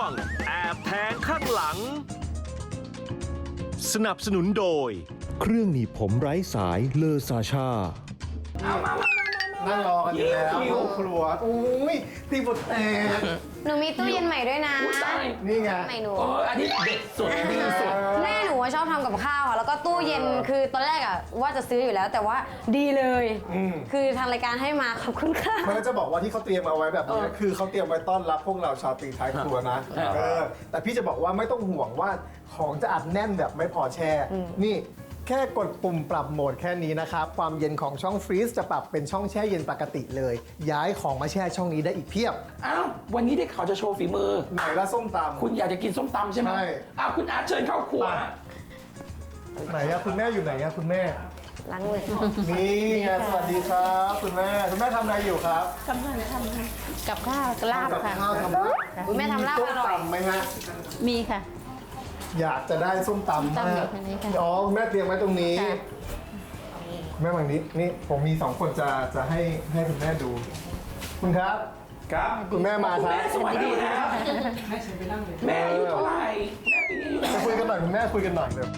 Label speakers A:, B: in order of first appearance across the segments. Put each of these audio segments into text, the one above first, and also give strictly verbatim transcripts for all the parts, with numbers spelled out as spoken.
A: งแอบแทงข้างหลังสนับสนุนโดยเครื่องหนีบผมไร้สายเลอซาชา
B: นั่งรอกันอยู่แล้วห้องครัวอุ้ยตีบทแตก
C: หนูมีตู้เย็นใหม่ด้วยนะ
B: นี่ไง
C: ใหม่หนู
D: เอออันนี้เด็ดสุดดีสุด
C: แม่หนูชอบทำกับข้าวค่ะแล้วก็ตู้เย็นคือตอนแรกอะว่าจะซื้ออยู่แล้วแต่ว่าดีเลย คือทางรายการให้มาขอบคุณค่ะ
B: มันก็จะบอกว่าที่เขาเตรียมเอาไว้แบบนี้คือเขาเตรียมไว้ต้อนรับพวกเราชาวตีท้ายครัวนะเออแต่พี่จะบอกว่าไม่ต้องห่วงว่าของจะอัดแน่นแบบไม่พอแช่นี่แค่กดปุ่มปรับโหมดแค่นี้นะครับความเย็นของช่องฟรีซจะปรับเป็นช่องแช่เย็นปกติเลย ย้ายของมาแช่ช่องนี้ได้อีกเพียบ
D: อ้าววันนี้ได้ข่าวจะโชว์ฝีมือ
B: ไหนละส้มตำ
D: คุณอยากจะกินส้มตำใช่ไหม
B: ใช่
D: อ้าวคุณอาร์ตเชิญเข้าครัว
B: ไหนอะคุณแม่อยู่ไหนอะคุณแม่
C: ล้างมือ
B: นี่ไงสวัสดีครับคุณแม่คุณแม่ทำอะไรอยู่ครับ
E: กำลังทำกับข้าวลาบ
B: กับ
E: ค่ะ
B: ข้าวทำลาบ
C: คุณแม่ทำลาบอร่อย
B: ส้มตำไหมฮะ
E: มีค่ะ
B: อยากจะได้ส้มตำ
E: ส้มตำ
B: มา
E: อยู่
B: ก
E: ตรงนี้ค่ะ
B: อ๋อคุณแม่เตรียมไว้ตรงนี้
E: ค่ะ
B: แม่บางนิดนี่ผมมีสองคนจะจะให้ให้คุณแม่ดู คุณครับ ครับคุณแม่มา
D: คุณ
B: ครับ
D: แม่สวัสดีครับแม่อายุเท่าไหร่แม่ปีนี้อายุเท่าไห
B: จะ
D: ร่
B: คุยกันหน่อยคุณแม่คุยกันหน่อยเดี๋ยว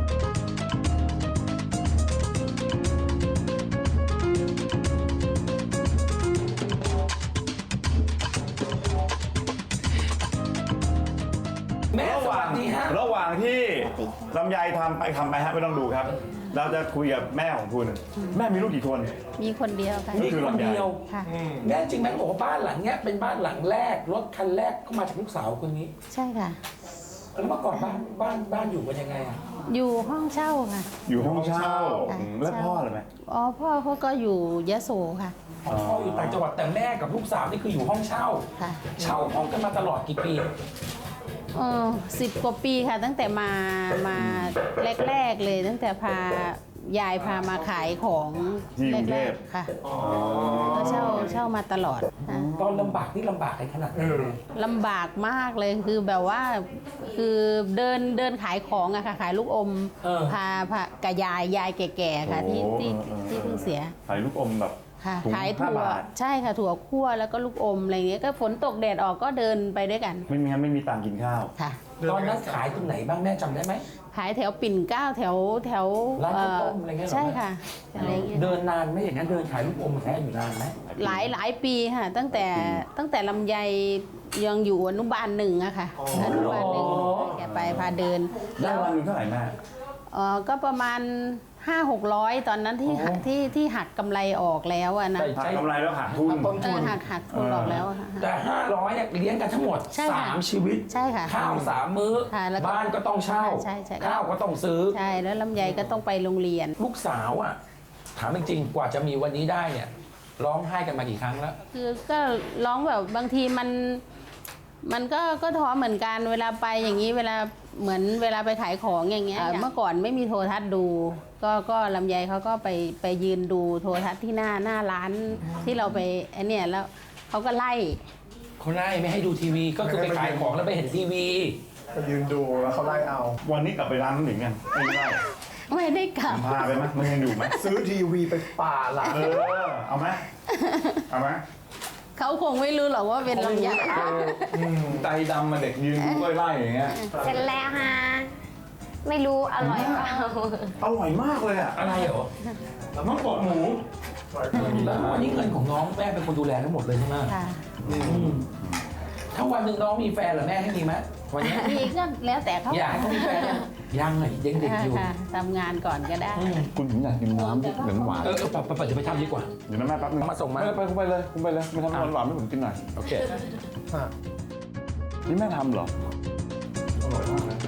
D: แม่สวัสดีฮะ
F: ระหว่างที่ลำไยทำไปทำไปฮะไม่ต้องดูครับ เราจะคุยกับแม่ของคุณ แม่มีลูกกี่คน
E: มีคนเดียวค่ะ
D: มีคนเดียว
E: ค่ะ
D: แม่จริงแม่บอกว่าบ้านหลังเนี้ยเป็นบ้านหลังแรกรถคันแรกก็มาจากลูกสาวคนนี้
E: ใช่ค่ะ
D: แล้วเมื่อก่อนบ้านบ้านบ้านอยู่กันยังไงอ่ะ
E: อยู่ห้องเช่าค่ะ
F: อยู่ห้องเช่า
E: ค่ะ
F: อืมแล้วพ่อเลยไหม
E: อ๋อพ่อเขาก็อยู่ยโสค่ะ
D: พ่ออยู่ต่างจังหวัดแต่แม่กับลูกสาวนี่คืออยู่ห้องเช่า
E: ค่ะ
D: เช่าห้องกันมาตลอดกี่ปี
E: เออสิบกว่าปีค่ะ ตั้งแต่มามาแรกๆเลย ตั้งแต่พายายพามาขายของ
F: ที่กรุงเท
E: แร
F: พ
E: กๆค่ะก็เช่าเช่ามาตลอดค่ะ
D: ตอนลำบากนี่ลำบากกันขนาดไหน
E: ลำบากมากเลยคือแบบว่าคือเดินเดินขายของอะค่ะขายลูกอม
D: เออ
E: พาพากับยายยายแก่ๆค่ะที่ที่ที่เพิ่งเสีย
F: ใส่ลูกอมแบบ
E: ค่ะ
F: ถุง
E: ขาย
F: ห้า
E: ถั่ว
F: บาท
E: ใช่ค่ะถั่วคั่วแล้วก็ลูกอมอะไรเงี้ยก็ฝนตกแดดออกก็เดินไปด้วยกัน
F: ไม่มีงั้นไม่มีตังค์กินข้าว
E: ค่ะ
D: ตอนนั้นขายตรงไหนบ้างแม่จำได้ไหม
E: ขายแถวปิ่นเกล้าแถวแถว
D: ร้านข้าวต้ม
E: เ
D: อะไรเงี้ยเหรอ
E: ใช่ค่ะอะไรเงี้ย
D: เดินนานไหมอย่างนั้นเดินขายลูกอมแท้อยู่นานไหม
E: หลายหลายปีค่ะ ตั้งแต่ตั้งแต่ลำไยยังอยู่อนุบาลหนึ่งอะค่ะอนุบาลหนึ่งแกไปพาเดิน
F: ได้วันหนึงเท่าไหร่แม่
E: เออก็ประมาณห้าหกร้อยตอนนั้นที่หักที่ที่หักกำไรออกแล้วอะนะ
F: หักกำไรแล้วหักทุน
B: ต้น
E: เอ
B: ทุ
E: อน หักหักทุนออกแล้วอะค่ะ
D: แต่ห้าร้อยเนี่ยเลี้ยงกันทั้งหมด
E: ใช่ค่ะ
D: สามชีวิต
E: ใช่ค่ะ
D: ข้าวสามมื้อ
E: ค่ะแล้วก็
D: บ้านก็ต้องเช่า
E: ใช่ใช่
D: ข้าวก็ต้องซื้อ
E: ใช่แล้วลำไยก็ต้องไปโรงเรียน
D: ลูกสาวอ่ะถามจริงๆกว่าจะมีวันนี้ได้เนี่ยร้องไห้กันมากี่ครั้งแล้ว
E: คือก็ร้องแบบบางทีมันมันก็ก็ท้อเหมือนกันเวลาไปอย่างนี้เวลาเหมือนเวลาไปขายของอย่างเงี้ยเมื่อก่อนไม่มีโทรทัศน์ดู ก็ก็ลำไยเขาก็ไปไปยืนดูโทรทัศน์ที่หน้าหน้าร้านที่เราไปไอเนี่ยแล้วเขาก็ไล่
D: เขาไล่ไม่ให้ดูทีวีก็คือไปขายของแล้วไปเห็นทีวี
B: ก็ยืนดูแล้วเขาไล่เอา
F: วันนี้กลับไปร้านนั้นหรือไงไม่ได้
E: ไม่ได้กลับ
F: พาไปไหมมันยังอยู่ไหม
B: ซื้อทีวีไปป่าหลัง
F: เออเอาไหมเอาไหม
E: เขาคงไม่รู้หรอกว่าเป็นลำไย
F: ใจดำมาเด็กยืนดูกล้วยไล่อย่างเงี้ย
C: เสร็จแล้วฮะไม่รู้อร่อยเปล่า
F: อร่อยมากเลยอ่ะ
D: อะไรเหรอ
F: น้องกดหมู
D: แล้ววันนี้เงินของน้องแม่เป็นคนดูแลทั้งหมดเลยใช่ไหม
E: ค่ะ
D: อืมถ้าวันหนึ่งน้องมีแฟนเหรอแม่ให้มีไหมวันนี้
E: มีก็แล้วแต่เขา
D: อยากให้เขามีแฟนยังยังเลยยังเด็กอยู่
E: ค่ะทำงานก่อนก็ได้
D: อืม
F: คุณผมอยากกินน้ำที่เหมือนหวาน
D: เออเออไปไปไปเดี๋ยวไปทำดีกว่า
F: เดี๋ยวนะแม่แป๊บนึง
D: มาส่งมา
F: ไปคุณไปเลยคุณไปเลยมาทำหวานหวานๆให้ผมกินหน่อย
D: โอเค
B: อ่ะ
F: นี่แม่ทำเหรออร่อยมากนะ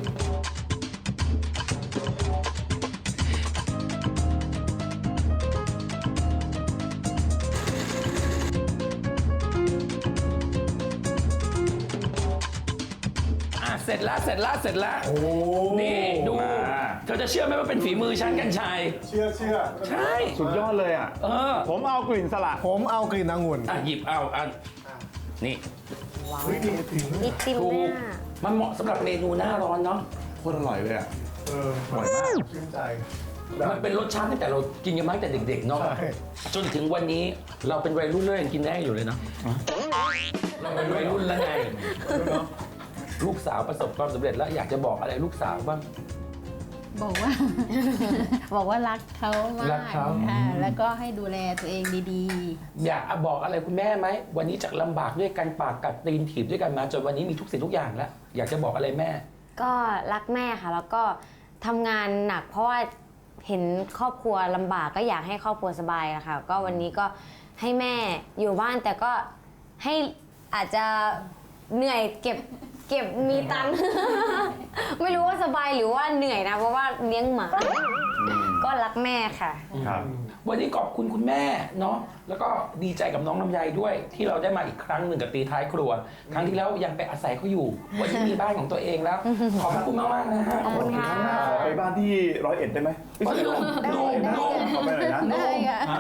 D: อ่ะเสร็จแล้วเสร็จแล้วเสร็จแล้ว
B: โอ้
D: นี่ดูเธอจะเชื่อไหมว่าเป็นฝีมือฉันกันชัย
B: เชื่อเชื่อ
D: ใช่
F: สุดยอดเลยอ่ะ
D: เออ
F: ผมเอากลิ่นสละ
B: ผมเอากลิ่นองุ่น
D: อ่ะหยิบเอาอันนี่
B: เฮ้ยนี่ถึง
C: อีกติม
D: ถู
C: ห
D: ก
C: น้า
D: มันเหมาะสำหรับเมนูหน้าร้อนเนาะ
F: โคตรอร่อยเลยอ่ะ
B: เออ
F: อร่อยมาก
B: ชื่นใจ
D: มันเป็นรสชาติตั้งแต่เรากินกันมาตั้งแต่เด็กๆเนาะ
B: ใช่
D: จนถึงวันนี้เราเป็นวัยรุ่นแล้วยังกินได้อยู่เลยเนาะเราเป็นวัยรุ่นแล้วไงลูกสาวประสบความสำเร็จแล้วอยากจะบอกอะไรลูกสาวบ้าง
E: บอกว่า บอกว่ารักเขามาก
D: รักเขา
E: ค่ะแล้วก็ให้ดูแลตัวเองดี
D: อยากบอกอะไรคุณแม่ไหมวันนี้จากลำบากด้วยกันปากกัดตีนถีบด้วยกันมาจนวันนี้มีทุกสิ่งทุกอย่างแล้วอยากจะบอกอะไรแม่
C: ก็รักแม่ค่ะ แล้วก็ทำงานหนักเพราะว่าเห็นครอบครัวลำบากก็อยากให้ครอบครัวสบายอะค่ะ ก็วันนี้ก็ให้แม่อยู่บ้านแต่ก็ให้อาจจะเหนื่อยเก็บเก็บมีตังค์ ไม่รู้ว่าสบายหรือว่าเหนื่อยนะ เพราะว่าเลี้ยงหมา ก็รักแม่ค่ะ
F: ครับ
D: วันนี้ขอบคุณคุณแม่เนาะแล้วก็ดีใจกับน้องลำไยด้วย ที่เราได้มาอีกครั้งหนึ่งกับตีท้ายครัว ครั้งที่แล้วยังไปอาศัยเขาอยู่ วันนี้มีบ้านของตัวเองแล้ว ขอบคุณมากมากๆนะฮะ
C: ขอบคุณค่ะ
F: ขอไปบ้านที่ร้อยเอ็ดได้ไหมไม่ใช่
D: โอ้ย
F: ได้
D: โน่นโน่น
F: ขอไปหน่อยนะ
E: ๆ ได้ค่ะ
D: ฮะ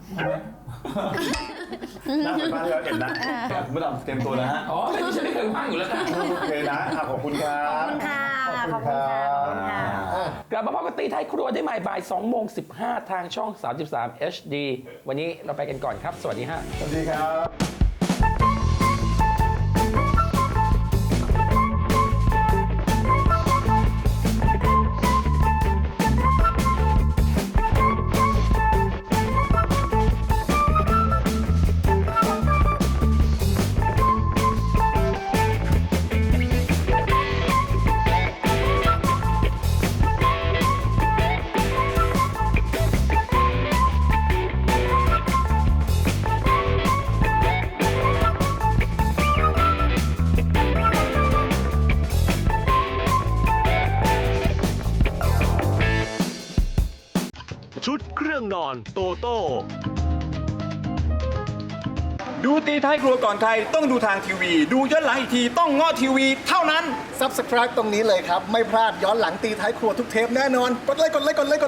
F: น่าไปบ้านที่ร้อยเอ็ดนะไม่ต้องเตรียมตัวนะฮะ
D: อ๋อไม่ใช่ไม่เคยว่างอยู่แล้วนะ
F: โอเคนะอ่ะขอบคุณครับ
C: ขอบคุณค่ะ ขอบคุณค่ะ ขอบคุณค่ะ
D: กลับมาพบกับตีท้ายครัวได้ใหม่บ่ายสองโมงสิบห้าทางช่องสามสิบสาม เอช ดี วันนี้เราไปกันก่อนครับ สวัสดีฮะ
F: สวัสดีครับ
A: ชุดเครื่องนอนโตโต้
G: ดูตีท้ายครัวก่อนใครต้องดูทางทีวี ดูย้อนหลังอีกทีต้องเงาะทีวีเท่านั้น
B: Subscribe ตรงนี้เลยครับ ไม่พลาดย้อนหลังตีท้ายครัวทุกเทปแน่นอน กดไลค์กดไลค์กดไลค์กด